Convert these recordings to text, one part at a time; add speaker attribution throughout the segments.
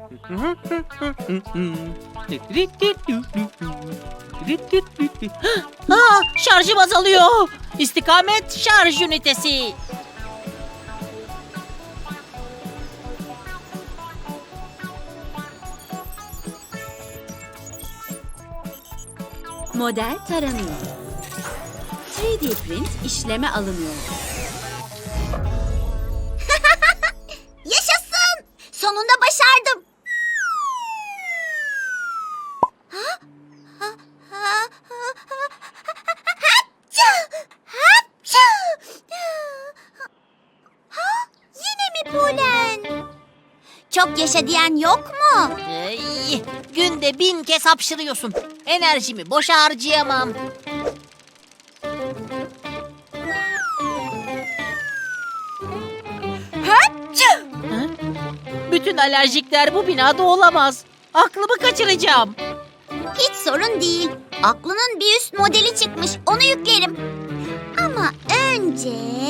Speaker 1: Şarjım azalıyor. İstikamet şarj ünitesi.
Speaker 2: Model taranıyor. 3D print işleme alınıyor.
Speaker 3: Yaşasın! Sonunda başardım. Yine mi polen? Çok yaşa diyen yok mu?
Speaker 1: Günde 1000 kez hapşırıyorsun. Enerjimi boşa harcayamam. Hı? Bütün alerjikler bu binada olamaz. Aklımı kaçıracağım.
Speaker 3: Hiç sorun değil. Aklının bir üst modeli çıkmış. Onu yüklerim. Ama önce...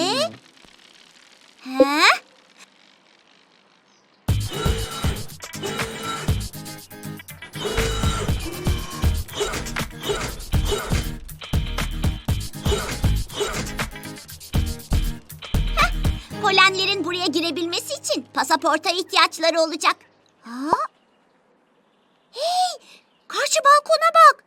Speaker 3: Polenlerin buraya girebilmesi için pasaporta ihtiyaçları olacak. Hey! Karşı balkona bak.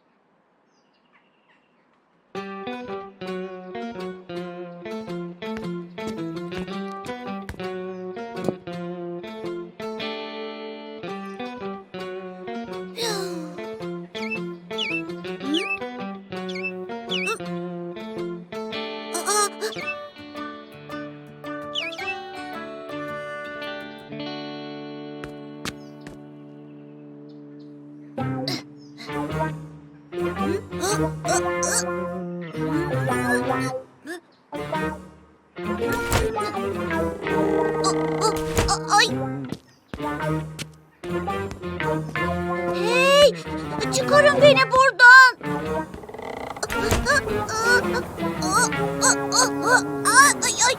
Speaker 3: Ay! Hey! Çıkarın beni buradan. Ay ay.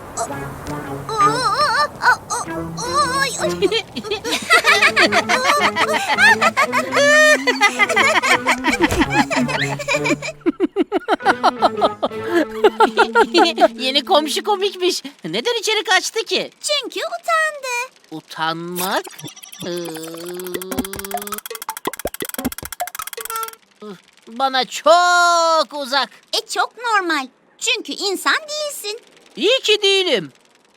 Speaker 3: Ay ay.
Speaker 1: Yeni komşu komikmiş. Neden içeri kaçtı ki?
Speaker 3: Çünkü utandı.
Speaker 1: Utanmak? Bana çok uzak.
Speaker 3: Çok normal. Çünkü insan değilsin.
Speaker 1: İyi ki değilim.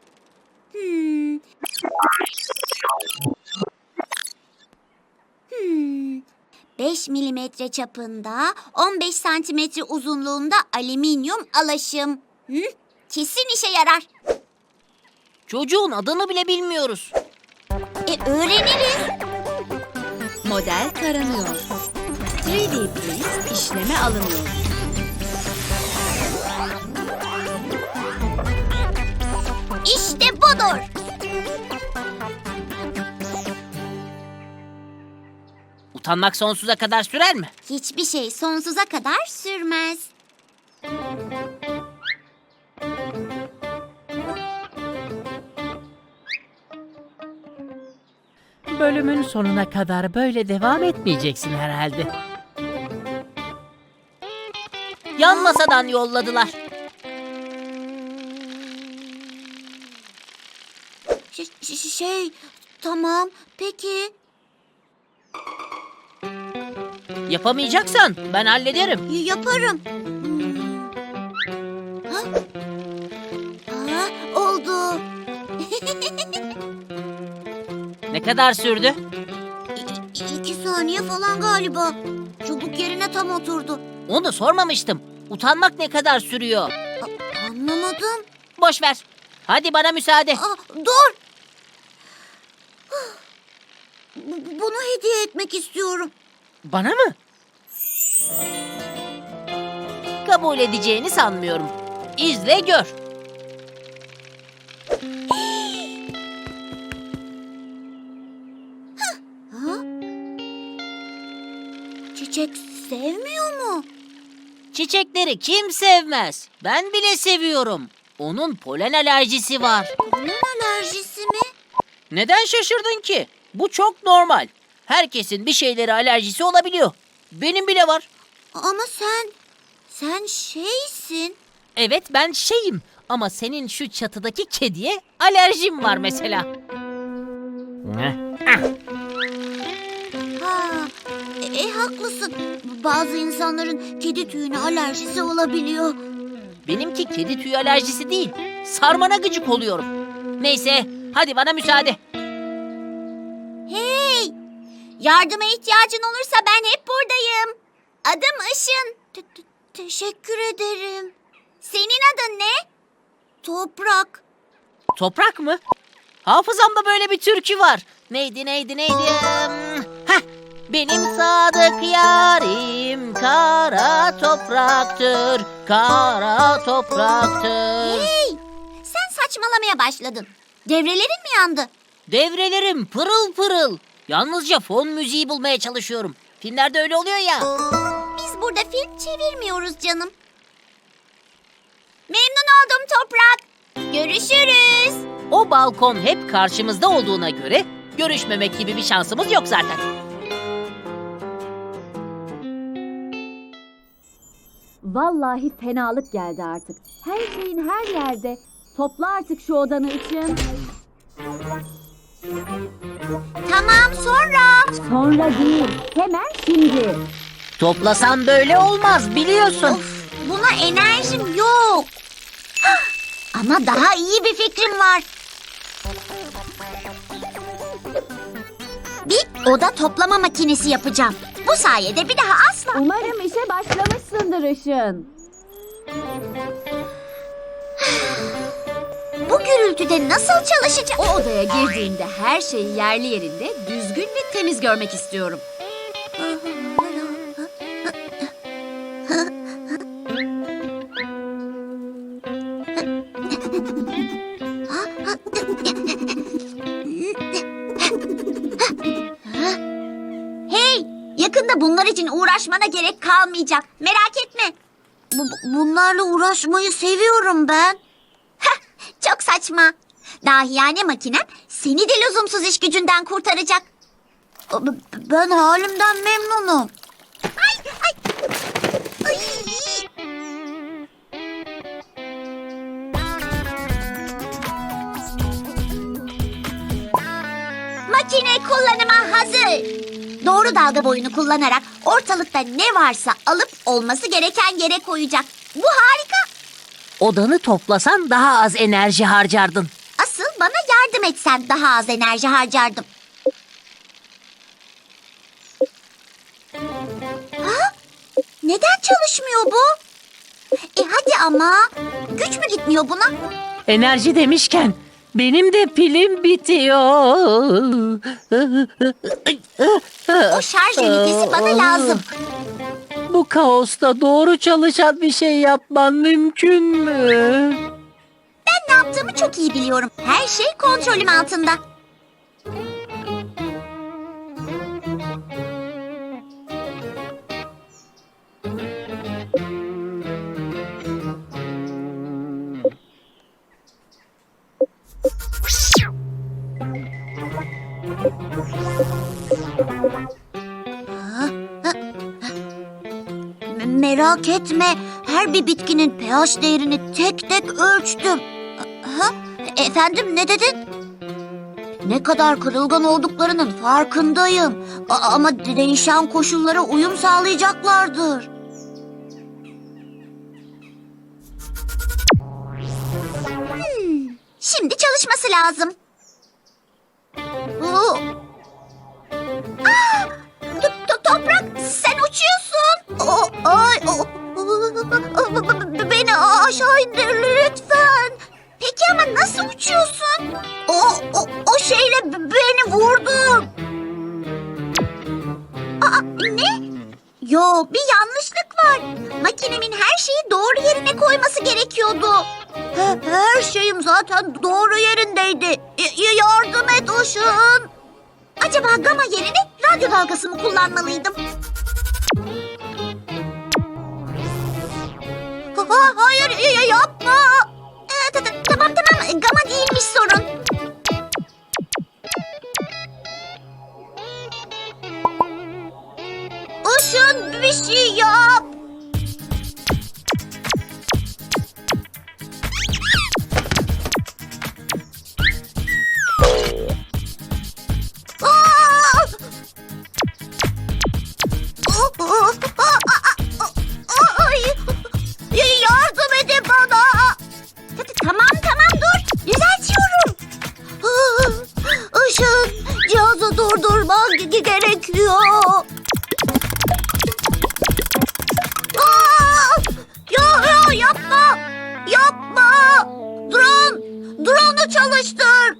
Speaker 3: 5 milimetre çapında, 15 santimetre uzunluğunda alüminyum alaşım. Kesin işe yarar.
Speaker 1: Çocuğun adını bile bilmiyoruz.
Speaker 3: Öğreniriz.
Speaker 2: Model taranıyor. 3D print işleme alınıyor.
Speaker 3: İşte budur.
Speaker 1: Utanmak sonsuza kadar sürer mi?
Speaker 3: Hiçbir şey sonsuza kadar sürmez.
Speaker 1: Bölümün sonuna kadar böyle devam etmeyeceksin herhalde. Yan masadan yolladılar.
Speaker 3: Tamam, peki.
Speaker 1: Yapamayacaksan ben hallederim.
Speaker 3: Yaparım. Oldu.
Speaker 1: Ne kadar sürdü?
Speaker 3: 2 saniye falan galiba. Çubuk yerine tam oturdu.
Speaker 1: Onu sormamıştım. Utanmak ne kadar sürüyor?
Speaker 3: Anlamadım.
Speaker 1: Boş ver. Hadi bana müsaade.
Speaker 3: Dur. Bunu hediye etmek istiyorum.
Speaker 1: Bana mı? Kabul edeceğini sanmıyorum. İzle gör.
Speaker 3: Çiçek sevmiyor mu?
Speaker 1: Çiçekleri kim sevmez? Ben bile seviyorum. Onun polen alerjisi var.
Speaker 3: Polen alerjisi mi?
Speaker 1: Neden şaşırdın ki? Bu çok normal. Herkesin bir şeylere alerjisi olabiliyor. Benim bile var.
Speaker 3: Ama sen şeysin.
Speaker 1: Evet ben şeyim ama senin şu çatıdaki kediye alerjim var mesela.
Speaker 3: Ha, haklısın. Bazı insanların kedi tüyüne alerjisi olabiliyor.
Speaker 1: Benimki kedi tüyü alerjisi değil. Sarmana gıcık oluyorum. Neyse hadi bana müsaade.
Speaker 3: Hey! Yardıma ihtiyacın olursa ben hep buradayım. Adım Işın. Teşekkür ederim. Senin adın ne? Toprak.
Speaker 1: Toprak mı? Hafızamda böyle bir türkü var. Neydi? Heh! Benim sadık yarim kara topraktır, kara topraktır.
Speaker 3: Hey! Sen saçmalamaya başladın. Devrelerin mi yandı?
Speaker 1: Devrelerim pırıl pırıl. Yalnızca fon müziği bulmaya çalışıyorum. Filmlerde öyle oluyor ya.
Speaker 3: Biz burada film çevirmiyoruz canım. Memnun oldum Toprak. Görüşürüz.
Speaker 1: O balkon hep karşımızda olduğuna göre görüşmemek gibi bir şansımız yok zaten.
Speaker 2: Vallahi fenalık geldi artık. Her şeyin her yerde. Topla artık şu odanı için.
Speaker 3: Tamam sonra.
Speaker 2: Sonra değil, hemen şimdi.
Speaker 1: Toplasan böyle olmaz biliyorsun.
Speaker 3: Of, buna enerjim yok. Hah, ama daha iyi bir fikrim var. Bir oda toplama makinesi yapacağım. Bu sayede bir daha asla...
Speaker 2: Umarım işe başlamışsındır Işın.
Speaker 3: Bu gürültüde nasıl çalışacak?
Speaker 2: O odaya girdiğinde her şeyi yerli yerinde, düzgün ve temiz görmek istiyorum.
Speaker 3: Hey, yakında bunlar için uğraşmana gerek kalmayacak. Merak etme. Bunlarla uğraşmayı seviyorum ben. Heh, çok saçma. Dahiyane makinem seni de lüzumsuz iş gücünden kurtaracak. Ben halimden memnunum. Ay, ay. Ay. Makine kullanıma hazır. Doğru dalga boyunu kullanarak ortalıkta ne varsa alıp olması gereken yere koyacak. Bu harika.
Speaker 1: Odanı toplasan daha az enerji harcardın.
Speaker 3: Asıl bana yardım etsen daha az enerji harcardım. Ha? Neden çalışmıyor bu? Hadi ama. Güç mü gitmiyor buna?
Speaker 1: Enerji demişken benim de pilim bitiyor.
Speaker 3: O şarj ünitesi bana lazım.
Speaker 1: Bu kaosta doğru çalışan bir şey yapman mümkün mü?
Speaker 3: Ben ne yaptığımı çok iyi biliyorum. Her şey kontrolüm altında. Merak etme. Her bir bitkinin pH değerini tek tek ölçtüm. Ha? Efendim ne dedin? Ne kadar kırılgan olduklarının farkındayım. Ama değişen koşullara uyum sağlayacaklardır. Şimdi çalışması lazım. Toprak sen uçuyorsun. Beni aşağı indir lütfen. Peki ama nasıl uçuyorsun? O şeyle beni vurdun. Ne? Yo, bir yanlışlık var. Makinemin her şeyi doğru yerine koyması gerekiyordu. Her şeyim zaten doğru yerindeydi. Yardım et Işın. Acaba gama yerine radyo dalgası mı kullanmalıydım? Hayır yapma. Tamam gama değilmiş sorun. Hızlı çalıştır.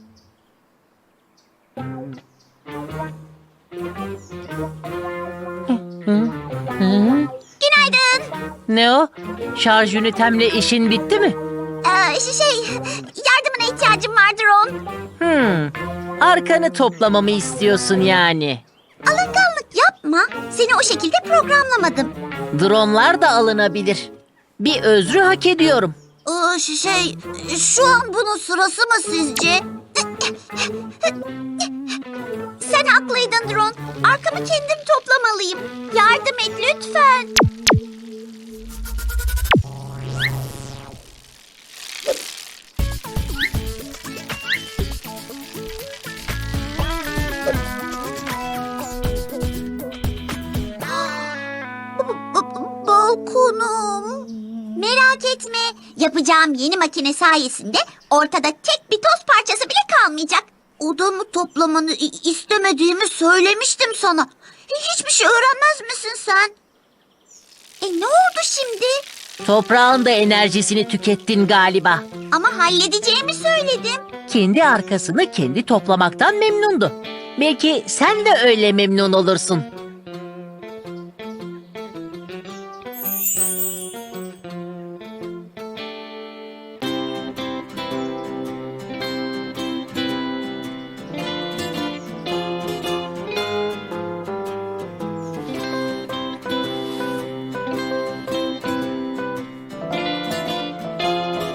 Speaker 3: Günaydın.
Speaker 1: Ne o? Şarj ünitemle işin bitti mi?
Speaker 3: Yardımına ihtiyacım vardır on.
Speaker 1: Arkanı toplamamı istiyorsun yani.
Speaker 3: Alınganlık yapma. Seni o şekilde programlamadım.
Speaker 1: Dronlar da alınabilir. Bir özrü hak ediyorum.
Speaker 3: Şu an bunun sırası mı sizce? Sen haklıydın Drone. Arkamı kendim toplamalıyım. Yardım et lütfen. Balkonum. Merak etme. Yapacağım yeni makine sayesinde ortada tek bir toz parçası bile kalmayacak. Odamı toplamanı istemediğimi söylemiştim sana. Hiçbir şey öğrenmez misin sen? Ne oldu şimdi?
Speaker 1: Toprağın da enerjisini tükettin galiba.
Speaker 3: Ama halledeceğimi söyledim.
Speaker 1: Kendi arkasını kendi toplamaktan memnundu. Belki sen de öyle memnun olursun.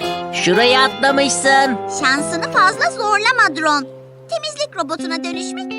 Speaker 1: Şuraya atlamışsın.
Speaker 3: Şansını fazla zorlama Drone. Temizlik robotuna dönüşmek